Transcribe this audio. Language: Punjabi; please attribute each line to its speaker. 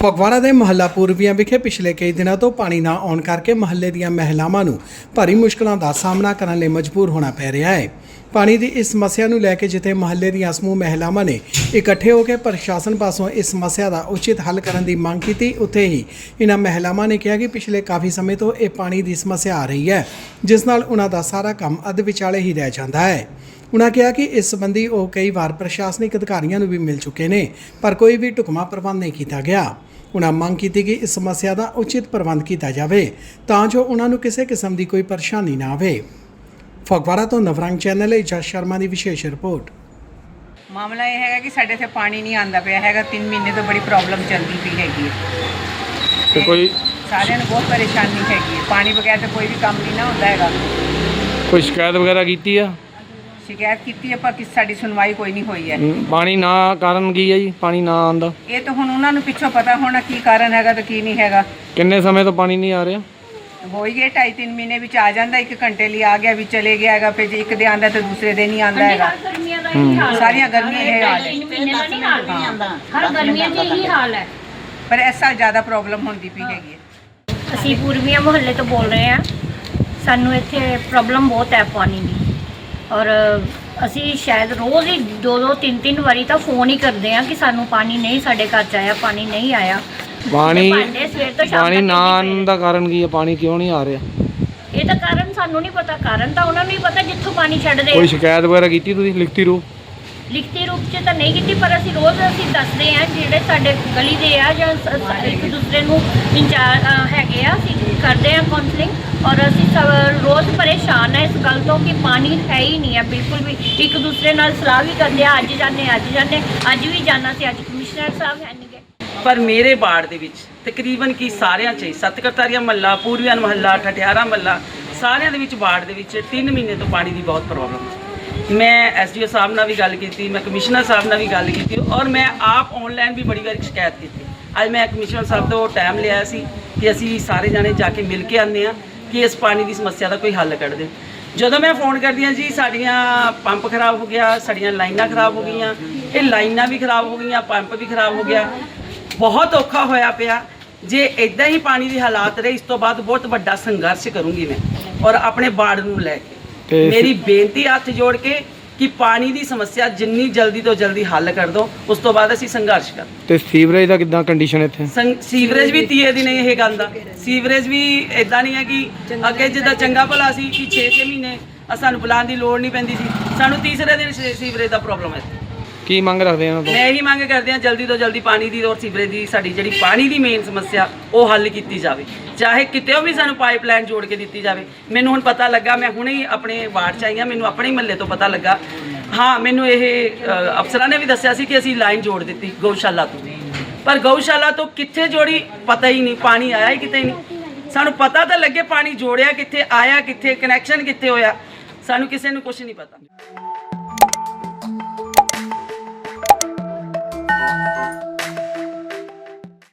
Speaker 1: ਫਗਵਾੜਾ ਦੇ ਮੁਹੱਲਾ ਪੂਰਬੀਆਂ ਵਿਖੇ ਪਿਛਲੇ ਕਈ ਦਿਨਾਂ ਤੋਂ ਪਾਣੀ ਨਾ ਆਉਣ ਕਰਕੇ ਮੁਹੱਲੇ ਦੀਆਂ ਮਹਿਲਾਵਾਂ ਨੂੰ ਭਾਰੀ ਮੁਸ਼ਕਲਾਂ ਦਾ ਸਾਹਮਣਾ ਕਰਨ ਲਈ ਮਜਬੂਰ ਹੋਣਾ ਪੈ ਰਿਹਾ ਹੈ। ਪਾਣੀ ਦੀ ਇਸ ਸਮੱਸਿਆ ਨੂੰ ਲੈ ਕੇ ਜਿੱਥੇ ਮੁਹੱਲੇ ਦੀਆਂ ਸਮੂਹ ਮਹਿਲਾਵਾਂ ਨੇ ਇਕੱਠੇ ਹੋ ਕੇ ਪ੍ਰਸ਼ਾਸਨ ਪਾਸੋਂ ਇਸ ਸਮੱਸਿਆ ਦਾ ਉਚਿਤ ਹੱਲ ਕਰਨ ਦੀ ਮੰਗ ਕੀਤੀ, ਉੱਥੇ ਹੀ ਇਹਨਾਂ ਮਹਿਲਾਵਾਂ ਨੇ ਕਿਹਾ ਕਿ ਪਿਛਲੇ ਕਾਫੀ ਸਮੇਂ ਤੋਂ ਇਹ ਪਾਣੀ ਦੀ ਸਮੱਸਿਆ ਆ ਰਹੀ ਹੈ, ਜਿਸ ਨਾਲ ਉਹਨਾਂ ਦਾ ਸਾਰਾ ਕੰਮ ਅੱਧ ਵਿਚਾਲੇ ਹੀ ਰਹਿ ਜਾਂਦਾ ਹੈ। ਉਨ੍ਹਾਂ ਕਿਹਾ ਕਿ ਇਸ ਸੰਬੰਧੀ ਉਹ ਕਈ ਵਾਰ ਪ੍ਰਸ਼ਾਸਨਿਕ ਅਧਿਕਾਰੀਆਂ ਨੂੰ ਵੀ ਮਿਲ ਚੁੱਕੇ ਨੇ, ਪਰ ਕੋਈ ਵੀ ਢੁਕਵਾਂ ਪ੍ਰਬੰਧ ਨਹੀਂ ਕੀਤਾ ਗਿਆ। ਉਨ੍ਹਾਂ ਮੰਗ ਕੀਤੀ ਕਿ ਇਸ ਸਮੱਸਿਆ ਦਾ ਉਚਿਤ ਪ੍ਰਬੰਧ ਕੀਤਾ ਜਾਵੇ ਤਾਂ ਜੋ ਉਹਨਾਂ ਨੂੰ ਕਿਸੇ ਕਿਸਮ ਦੀ ਕੋਈ ਪਰੇਸ਼ਾਨੀ ਨਾ ਆਵੇ। ਫਗਵਾੜਾ ਤੋਂ ਨਵਰੰਗ ਚੈਨਲ ਲਈ ਜਸ ਸ਼ਰਮਾ ਦੀ ਵਿਸ਼ੇਸ਼ ਰਿਪੋर्ट।
Speaker 2: ਮਾਮਲਾ ਇਹ ਹੈਗਾ ਕਿ ਸਾਡੇ ਇੱਥੇ ਪਾਣੀ ਨਹੀਂ ਆਉਂਦਾ ਪਿਆ ਹੈਗਾ। 3 ਮਹੀਨੇ ਤੋਂ ਬੜੀ ਪ੍ਰੋਬਲਮ ਚੱਲਦੀ ਪਈ ਹੈਗੀ ਹੈ
Speaker 3: ਤੇ ਕੋਈ
Speaker 2: ਸਾਰਿਆਂ ਨੂੰ ਬਹੁਤ ਪਰੇਸ਼ਾਨੀ ਹੈਗੀ ਹੈ। ਪਾਣੀ ਬਗੈਰ ਤਾਂ ਕੋਈ ਵੀ ਕੰਮ ਨਹੀਂ ਨਾ ਹੁੰਦਾ ਹੈਗਾ।
Speaker 3: ਕੋਈ ਸ਼ਿਕਾਇਤ ਵਗੈਰਾ ਕੀਤੀ ਆ?
Speaker 2: ਸ਼ਿਕਾਇਤ ਕੀਤੀ ਹੈ ਪਰ ਸਾਡੀ ਸੁਣਵਾਈ ਕੋਈ ਨਹੀਂ ਹੋਈ ਹੈ।
Speaker 3: ਪਾਣੀ ਨਾ ਕਾਰਨ ਕੀ ਹੈ ਜੀ? ਪਾਣੀ ਨਾ ਆਉਂਦਾ
Speaker 2: ਇਹ ਤਾਂ ਹੁਣ ਉਹਨਾਂ ਨੂੰ ਪਿੱਛੋਂ ਪਤਾ ਹੋਣਾ ਕੀ ਕਾਰਨ ਹੈਗਾ ਤੇ ਕੀ ਨਹੀਂ ਹੈਗਾ।
Speaker 3: ਕਿੰਨੇ ਸਮੇਂ ਤੋਂ ਪਾਣੀ ਨਹੀਂ ਆ ਰਿਹਾ?
Speaker 2: ਹੋ ਹੀ ਗਏ 2.5-3 ਮਹੀਨੇ ਵਿੱਚ ਆ ਜਾਂਦਾ। 1 ਘੰਟੇ ਲਈ ਆ ਗਿਆ ਵੀ ਚਲੇ ਗਿਆ ਹੈਗਾ, ਫਿਰ ਜੇ ਇੱਕ ਦੇ ਆਂਦਾ ਤਾਂ ਦੂਸਰੇ ਦੇ ਨਹੀਂ ਆਂਦਾ ਹੈਗਾ। ਸਾਰੀਆਂ ਗਰਮੀਆਂ ਇਹ ਹਾਲ ਹੈ।
Speaker 4: ਹਰ ਗਰਮੀਆਂ ਦੇ ਇਹੀ ਹਾਲ ਹੈ।
Speaker 2: ਪਰ ਇਸ ਸਾਲ ਜ਼ਿਆਦਾ ਪ੍ਰੋਬਲਮ ਹੁੰਦੀ ਪਈ ਹੈਗੀ ਹੈ।
Speaker 4: ਅਸੀਂ ਪੂਰਬੀਆਂ ਮੁਹੱਲੇ ਤੋਂ ਬੋਲ ਰਹੇ ਹਾਂ। ਸਾਨੂੰ ਇੱਥੇ ਪ੍ਰੋਬਲਮ ਬਹੁਤ ਹੈ ਪਾਣੀ ਦੀ, ਔਰ ਅਸੀਂ ਸ਼ਾਇਦ ਰੋਜ਼ ਹੀ 2-2 3-3 ਵਾਰੀ ਤਾਂ ਫੋਨ ਹੀ ਕਰਦੇ ਹਾਂ ਕਿ ਸਾਨੂੰ ਪਾਣੀ ਨਹੀਂ, ਸਾਡੇ ਘਰ 'ਚ ਆਇਆ, ਪਾਣੀ ਨਹੀਂ ਆਇਆ।
Speaker 3: ਪਾਣੀ
Speaker 4: ਪਾਣੀ
Speaker 3: ਨਾ ਆਉਣ ਦਾ ਕਾਰਨ ਕੀ ਹੈ? ਪਾਣੀ ਕਿਉਂ ਨਹੀਂ ਆ ਰਿਹਾ?
Speaker 4: ਇਹ ਤਾਂ ਕਾਰਨ ਸਾਨੂੰ ਨਹੀਂ ਪਤਾ, ਕਾਰਨ ਤਾਂ ਉਹਨਾਂ ਨੂੰ ਹੀ ਪਤਾ ਜਿੱਥੋਂ ਪਾਣੀ ਛੱਡਦੇ।
Speaker 3: ਕੋਈ ਸ਼ਿਕਾਇਤ ਵਗੈਰਾ ਕੀਤੀ ਤੁਸੀਂ ਲਿਖਤੀ ਰੂਪ?
Speaker 4: ਲਿਖਤੀ ਰੂਪ 'ਚ ਤਾਂ ਨਹੀਂ ਕੀਤੀ, ਪਰ ਅਸੀਂ ਰੋਜ਼ ਦੱਸਦੇ ਹਾਂ ਜਿਹੜੇ ਸਾਡੇ ਗਲੀ ਦੇ ਆ ਜਾਂ ਇੱਕ ਦੂਸਰੇ ਨੂੰ ਇੰਚਾਰਜ ਹੈਗੇ ਆ, ਅਸੀਂ ਕਰਦੇ ਹਾਂ ਕਾਉਂਸਲਿੰਗ। ਔਰ ਅਸੀਂ ਸਭ ਰੋਜ਼ ਪਰੇਸ਼ਾਨ ਹੈ ਇਸ ਗੱਲ ਤੋਂ ਕਿ ਪਾਣੀ ਹੈ ਹੀ ਨਹੀਂ ਹੈ ਬਿਲਕੁਲ ਵੀ। ਇੱਕ ਦੂਸਰੇ ਨਾਲ ਸਲਾਹ ਵੀ ਕਰਦੇ ਆ, ਅੱਜ ਜਾਂਦੇ ਅੱਜ ਵੀ ਜਾਣਾ ਸੀ, ਅੱਜ ਕਮਿਸ਼ਨਰ ਸਾਹਿਬ ਹੈ ਨਹੀਂ ਗਏ।
Speaker 5: ਪਰ ਮੇਰੇ ਵਾਰਡ ਦੇ ਵਿੱਚ ਤਕਰੀਬਨ ਕੀ ਸਾਰਿਆਂ 'ਚ ਸਤਕਰਤਾਰੀਆ ਮਹੱਲਾ, ਪੂਰਬੀਆਂ ਮਹੱਲਾ, ਠਠਿਆਰਾ ਮਹੱਲਾ, ਸਾਰਿਆਂ ਦੇ ਵਿੱਚ ਵਾਰਡ ਦੇ ਵਿੱਚ 3 ਮਹੀਨੇ ਤੋਂ ਪਾਣੀ ਦੀ ਬਹੁਤ ਪ੍ਰੋਬਲਮ ਹੈ। ਮੈਂ ਐਸਡੀਓ ਸਾਹਿਬ ਨਾਲ ਵੀ ਗੱਲ ਕੀਤੀ, ਮੈਂ ਕਮਿਸ਼ਨਰ ਸਾਹਿਬ ਨਾਲ ਵੀ ਗੱਲ ਕੀਤੀ, ਔਰ ਮੈਂ ਆਪ ਆਨਲਾਈਨ ਵੀ ਬੜੀ ਵਾਰ ਸ਼ਿਕਾਇਤ ਕੀਤੀ। ਅੱਜ ਮੈਂ ਕਮਿਸ਼ਨਰ ਸਾਹਿਬ ਤੋਂ ਟਾਈਮ ਲਿਆ ਸੀ ਕਿ ਅਸੀਂ ਸਾਰੇ ਜਾਣੇ ਜਾ ਕੇ ਮਿਲ ਕੇ ਆਉਂਦੇ ਹਾਂ ਕਿ ਇਸ ਪਾਣੀ ਦੀ ਸਮੱਸਿਆ ਦਾ ਕੋਈ ਹੱਲ ਕੱਢ ਦੇ। ਜਦੋਂ ਮੈਂ ਫੋਨ ਕਰਦੀ ਹਾਂ ਜੀ ਸਾਡੀਆਂ ਪੰਪ ਖਰਾਬ ਹੋ ਗਿਆ, ਸਾਡੀਆਂ ਲਾਈਨਾਂ ਖਰਾਬ ਹੋ ਗਈਆਂ, ਇਹ ਲਾਈਨਾਂ ਵੀ ਖਰਾਬ ਹੋ ਗਈਆਂ, ਪੰਪ ਵੀ ਖਰਾਬ ਹੋ ਗਿਆ, ਬਹੁਤ ਔਖਾ ਹੋਇਆ ਪਿਆ। ਜੇ ਇਦਾਂ ਹੀ ਪਾਣੀ ਦੇ ਹਾਲਾਤ ਰਹੇ, ਇਸ ਤੋਂ ਬਾਅਦ ਬਹੁਤ ਵੱਡਾ ਸੰਘਰਸ਼ ਕਰੂੰਗੀ ਮੈਂ ਔਰ ਆਪਣੇ ਵਾਰਡ ਨੂੰ ਲੈ ਕੇ। ਮੇਰੀ ਬੇਨਤੀ ਹੱਥ ਜੋੜ ਕੇ ਕਿ ਪਾਣੀ ਦੀ ਸਮੱਸਿਆ ਜਿੰਨੀ ਜਲਦੀ ਤੋਂ ਜਲਦੀ ਹੱਲ ਕਰ ਦਿਓ, ਉਸ ਤੋਂ ਬਾਅਦ ਅਸੀਂ ਸੰਘਰਸ਼ ਕਰ।
Speaker 3: ਤੇ ਸੀਵਰੇਜ ਦਾ ਕਿੱਦਾਂ ਕੰਡੀਸ਼ਨ ਇੱਥੇ?
Speaker 5: ਸੀਵਰੇਜ ਵੀ ਤੀਏ ਦੀ ਨਹੀਂ ਇਹ ਗੱਲ ਦਾ। ਸੀਵਰੇਜ ਵੀ ਇਦਾਂ ਨਹੀਂ ਹੈ ਕਿ ਅੱਗੇ ਜਿੱਦਾਂ ਚੰਗਾ ਭਲਾ ਸੀ ਕਿ 6-6 ਮਹੀਨੇ ਸਾਨੂੰ ਬੁਲਾਉਣ ਦੀ ਲੋੜ ਨਹੀਂ ਪੈਂਦੀ ਸੀ, ਸਾਨੂੰ ਤੀਸਰੇ ਦਿਨ ਸੀਵਰੇਜ ਦਾ ਪ੍ਰੋਬਲਮ ਹੈ।
Speaker 3: ਕੀ ਮੰਗ ਰੱਖਦੇ ਆ?
Speaker 5: ਮੈਂ ਇਹੀ ਮੰਗ ਕਰਦੇ ਹਾਂ ਜਲਦੀ ਤੋਂ ਜਲਦੀ ਪਾਣੀ ਦੀ ਔਰ ਸੀਵਰੇਜ ਦੀ ਸਾਡੀ ਜਿਹੜੀ ਪਾਣੀ ਦੀ ਮੇਨ ਸਮੱਸਿਆ ਉਹ ਹੱਲ ਕੀਤੀ ਜਾਵੇ, ਚਾਹੇ ਕਿਤੇ ਵੀ ਸਾਨੂੰ ਪਾਈਪਲਾਈਨ ਜੋੜ ਕੇ ਦਿੱਤੀ ਜਾਵੇ। ਮੈਨੂੰ ਹੁਣ ਪਤਾ ਲੱਗਾ, ਮੈਂ ਹੁਣੇ ਹੀ ਆਪਣੇ ਵਾਰਡ 'ਚ ਆਈ ਹਾਂ, ਮੈਨੂੰ ਆਪਣੇ ਮਹੱਲੇ ਤੋਂ ਪਤਾ ਲੱਗਾ। ਹਾਂ, ਮੈਨੂੰ ਇਹ ਅਫਸਰਾਂ ਨੇ ਵੀ ਦੱਸਿਆ ਸੀ ਕਿ ਅਸੀਂ ਲਾਈਨ ਜੋੜ ਦਿੱਤੀ ਗਊਸ਼ਾਲਾ ਤੋਂ, ਪਰ ਗਊਸ਼ਾਲਾ ਤੋਂ ਕਿੱਥੇ ਜੋੜੀ ਪਤਾ ਹੀ ਨਹੀਂ, ਪਾਣੀ ਆਇਆ ਹੀ ਕਿਤੇ ਨਹੀਂ। ਸਾਨੂੰ ਪਤਾ ਤਾਂ ਲੱਗੇ ਪਾਣੀ ਜੋੜਿਆ ਕਿੱਥੇ, ਆਇਆ ਕਿੱਥੇ, ਕਨੈਕਸ਼ਨ ਕਿੱਥੇ ਹੋਇਆ, ਸਾਨੂੰ ਕਿਸੇ ਨੂੰ ਕੁਝ ਨਹੀਂ ਪਤਾ।